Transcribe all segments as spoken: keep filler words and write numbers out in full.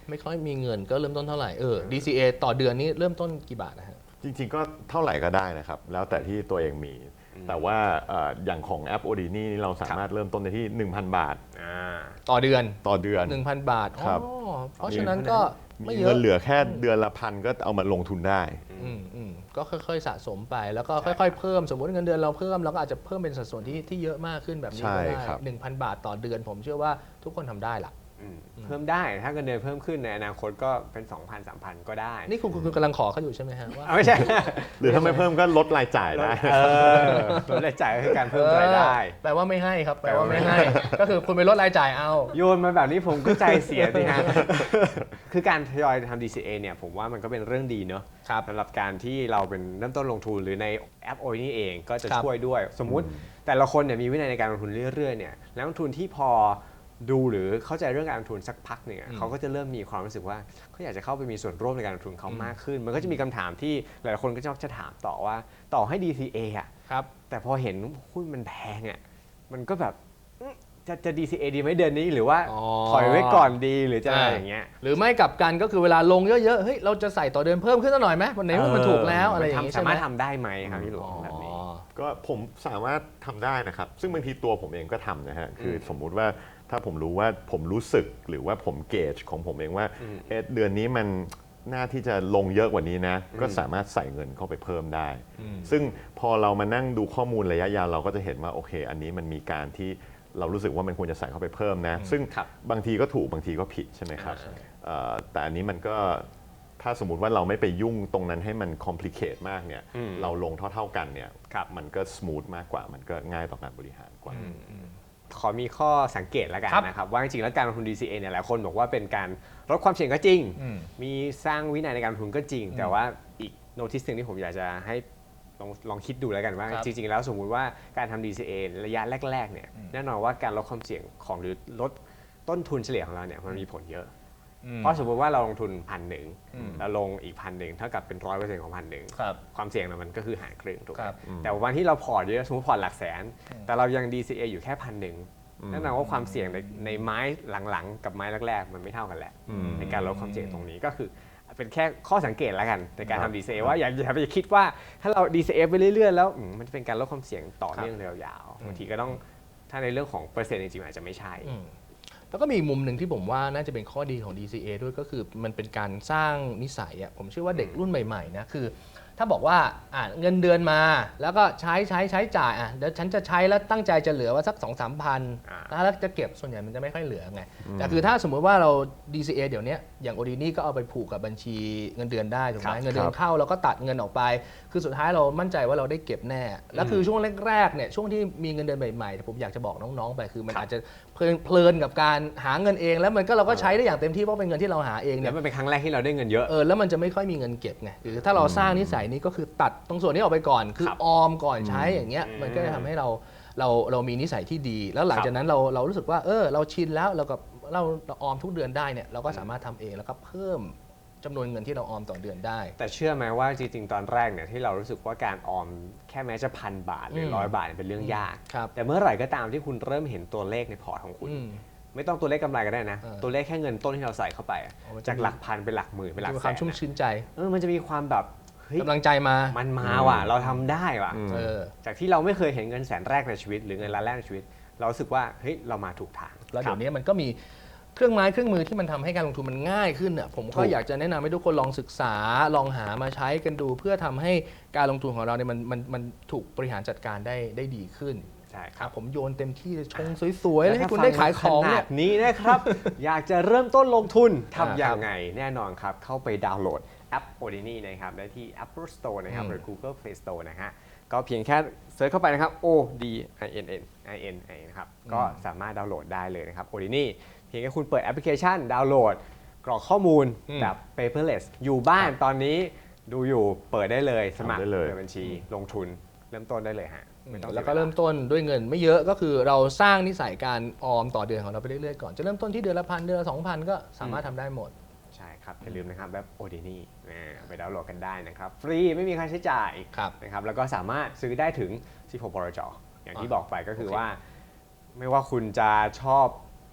ไม่ค่อยมีเงินก็เริ่มต้นเท่าไหร่เออ ดี ซี เอ ต่อเดือนนี้เริ่มต้นกี่บาทนะฮะจริงๆก็เท่าไหร่ก็ได้นะครับแล้วแต่ที่ตัวเองมี แต่ว่าอย่างของแอป Odini นี่เราสามารถเริ่มต้นในที่ หนึ่งพัน บาทต่อเดือนต่อเดือนหนึ่งพัน บาทครับเพราะฉะนั้นก็มีเงินเหลือแค่เดือนละพันก็เอามาลงทุนได้อืมอืมก็ค่อยๆสะสมไปแล้วก็ค่อยๆเพิ่มสมมติเงินเดือนเราเพิ่มเราก็อาจจะเพิ่มเป็นสัดส่วนที่ที่เยอะมากขึ้นแบบนี้ก็ได้หนึ่งพันบาทต่อเดือนผมเชื่อว่าทุกคนทำได้ละเพิ่มได้ถ้าเงินเดือนเพิ่มขึ้นในอนาคตก็เป็น สองพัน สามพัน ก็ได้นี่คุณคุณกำลังขอเขาอยู่ใช่ไหมฮะว่าไม่ใช่หรือถ้าไม่เพิ่มก็ลดรายจ่ายได้ลดรายจ่ายก็คือการเพิ่มรายได้แปลว่าไม่ให้ครับแปลว่าไม่ให้ก็คือคุณไปลดรายจ่ายเอาโยนมาแบบนี้ผมก็ใจเสียสิฮะคือการทยอยทำ ดี ซี เอ เนี่ยผมว่ามันก็เป็นเรื่องดีเนอะสำหรับการที่เราเป็นเริ่มต้นลงทุนหรือในแอป Odini เองก็จะช่วยด้วยสมมุติแต่ละคนเนี่ยมีวินัยในการลงทุนเรื่อยๆเนี่ยแล้วลงทุนที่พอดูหรือเข้าใจเรื่องการลงทุนสักพักหนึ่งเขาก็จะเริ่มมีความรู้สึกว่าเขาอยากจะเข้าไปมีส่วนร่วมในการลงทุนเขามากขึ้นมันก็จะมีคำถามที่หลายคนก็จะถามต่อว่าต่อให้ ดี ซี เอ อ่ะแต่พอเห็นหุ้นมันแพงอ่ะมันก็แบบจะจะ ดี ซี เอ ดีไหมเดือนนี้หรือว่าถอยไว้ก่อนดีหรือจะอะไรอย่างเงี้ยหรือไม่กลับกันก็คือเวลาลงเยอะๆเฮ้ยเราจะใส่ต่อเดือนเพิ่มขึ้นสักหน่อยไหมวันไหนมันถูกแล้วอะไรอย่างเงี้ยสามารถทำได้ไหมครับพี่หลวงแบบนี้ก็ผมสามารถทำได้นะครับซึ่งบางทีตัวผมเองก็ทำนะฮะคือสมมุติว่าถ้าผมรู้ว่าผมรู้สึกหรือว่าผมเกจของผมเองว่าเอเดือนนี้มันน่าที่จะลงเยอะกว่านี้นะก็สามารถใส่เงินเข้าไปเพิ่มได้ซึ่งพอเรามานั่งดูข้อมูลระยะยาวเราก็จะเห็นว่าโอเคอันนี้มันมีการที่เรารู้สึกว่ามันควรจะใส่เข้าไปเพิ่มนะซึ่งบางทีก็ถูกบางทีก็ผิดใช่ไหมครับแต่อันนี้มันก็ถ้าสมมุติว่าเราไม่ไปยุ่งตรงนั้นให้มันคอมพลีเคทมากเนี่ยเราลงเท่าๆกันเนี่ยมันก็สมูทมากกว่ามันก็ง่ายต่อการบริหารกว่าขอมีข้อสังเกตแล้วกันนะครับว่าจริงๆแล้วการลงทุน ดี ซี เอ เนี่ยหลายคนบอกว่าเป็นการลดความเสี่ยงก็จริงมีสร้างวินัยในการลงทุนก็จริงแต่ว่าอีกโน้ติสหนึ่งที่ผมอยากจะให้ลองลองคิดดูแล้วกันว่าจริงๆแล้วสมมุติว่าการทำ ดี ซี เอ ระยะแรกๆเนี่ยแน่นอนว่าการลดความเสี่ยงของหรือลดต้นทุนเฉลี่ยของเราเนี่ยมันมีผลเยอะเพราะสมมติว่าเราลงทุนพันหนึ่งแล้วลงอีกพันหนึ่งเท่ากับเป็นร้อยเปอร์เซ็นต์ของพันหนึ่งความเสี่ยงมันก็คือหารครึ่งถูกไหมแต่วันที่เราพอร์ตเยอะสมมติพอร์ตหลักแสนแต่เรายัง ดี ซี เอ อยู่แค่พันหนึ่งนั่นแปลว่าความเสี่ยงในในไม้หลังๆกับไม้แรกๆมันไม่เท่ากันแหละในการลดความเสี่ยงตรงนี้ก็คือเป็นแค่ข้อสังเกตแล้วกันในการทำ ดี ซี เอ ว่าอย่าอย่าไปคิดว่าถ้าเรา ดี ซี เอ ไปเรื่อยๆแล้วมันจะเป็นการลดความเสี่ยงต่อเนื่องยาวๆบางทีก็ต้องถ้าในเรื่องของเปอร์เซ็นต์จริงๆอาจจะไม่ใช่แล้วก็มีมุมหนึ่งที่ผมว่าน่าจะเป็นข้อดีของ ดี ซี เอ ด้วยก็คือมันเป็นการสร้างนิสัยอ่ะผมเชื่อว่าเด็กรุ่นใหม่ๆนะคือถ้าบอกว่าอ่ะเงินเดือนมาแล้วก็ใช้ใช้ใช้จ่ายอ่ะเดี๋ยวฉันจะใช้แล้วตั้งใจจะเหลือว่าสัก สองสามพันแล้วจะเก็บส่วนใหญ่มันจะไม่ค่อยเหลือไงแต่คือถ้าสมมุติว่าเรา ดี ซี เอ เดี๋ยวนี้อย่าง Odini ก็เอาไปผูกกับบัญชีเงินเดือนได้ถูกไหมเงินเดือนเข้าเราก็ตัดเงินออกไปคือสุดท้ายเรามั่นใจว่าเราได้เก็บแน่แล้วคือช่วงแรกๆเนี่ยช่วงที่มีเงินเดือนใหม่ๆผมอยากจะบอกน้องๆไปคือมันอาจจะเพลินกับการหาเงินเองแล้วมันก็เราก็ใช้ได้อย่างเต็มที่เพราะเป็นเงินที่เราหาเองเนี่ยแล้วมันเป็นครั้งแรกที่เราได้เงินเยอะเออแล้วมันจะไม่ค่อยมีเงินเก็บไงหรือถ้าเราสร้างนิสัยนี้ก็คือตัดตรงส่วนนี้ออกไปก่อนคือออมก่อนใช้อย่างเงี้ยมันก็จะทำให้เราเราเรามีนิสัยที่ดีแล้วหลังจากนั้นเราเรารู้สึกว่าเออเราชินแล้วเรากับเราออมทุกเดือนได้เนี่ยเราก็สามารถทำเองแล้วก็เพิ่มจำนวนเงินที่เราออมต่อเดือนได้แต่เชื่อไหมว่าจริงๆตอนแรกเนี่ยที่เรารู้สึกว่าการออมแค่แม้จะพันบาทหรือร้อยบาทเป็นเรื่องยากแต่เมื่อไหร่ก็ตามที่คุณเริ่มเห็นตัวเลขในพอร์ตของคุณไม่ต้องตัวเลขกำไรก็ได้นะตัวเลขแค่เงินต้นที่เราใส่เข้าไปจากหลักพันเป็นหลักหมื่นเป็นหลักแสนความชุ่มชื้นใจเออมันจะมีความแบบกำลังใจมามันมาว่ะเราทำได้ว่ะจากที่เราไม่เคยเห็นเงินแสนแรกในชีวิตหรือเงินล้านแรกในชีวิตเรารู้สึกว่าเฮ้ยเรามาถูกทางแล้วเดี๋ยวนี้มันก็มีเครื่องไม้เครื่องมือที่มันทำให้การลงทุนมันง่ายขึ้นอ่ะผมก็อยากจะแนะนำให้ทุกคนลองศึกษาลองหามาใช้กันดูเพื่อทำให้การลงทุนของเราเนี่ยมันมันมันถูกบริหารจัดการได้ได้ดีขึ้นใช่ครับผมโยนเต็มที่ชงสวยๆแล้วให้คุณได้ขายของเนี่ยนี้นะครับ อยากจะเริ่มต้นลงทุนทำอย่างไงแน่นอนครับเข้าไปดาวน์โหลดแอป Odini นะครับได้ที่ Apple Store นะครับหรือ Google Play Store นะฮะก็เพียงแค่เซิร์ชเข้าไปนะครับ O D I N N I N I นะครับก็สามารถดาวน์โหลดได้เลยนะครับ Odini เพียงแค่คุณเปิดแอปพลิเคชันดาวน์โหลดกรอกข้อมูลแบบ paperless อยู่บ้านตอนนี้ดูอยู่เปิดได้เลยสมัครเปิดบัญชีลงทุนเริ่มต้นได้เลยฮะแล้วก็เริ่มต้นด้วยเงินไม่เยอะก็คือเราสร้างนิสัยการออมต่อเดือนของเราไปเรื่อยๆก่อนจะเริ่มต้นที่เดือนละพันเดือนละสองพันก็สามารถทำได้หมดใช่ครับอย่าลืมนะครับแบบ Odini ไปดาวน์โหลดกันได้นะครับฟรีไม่มีค่าใช้จ่ายนะครับแล้วก็สามารถซื้อได้ถึงสิบหกบลจอย่างที่บอกไปก็คือว่าไม่ว่าคุณจะชอบ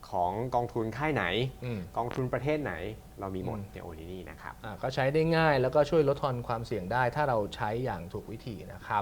ของกองทุนค่ายไหนอืมกองทุนประเทศไหนเรามีหมดอืมในโอนินี่นะครับอ่าก็ใช้ได้ง่ายแล้วก็ช่วยลดทอนความเสี่ยงได้ถ้าเราใช้อย่างถูกวิธีนะครับ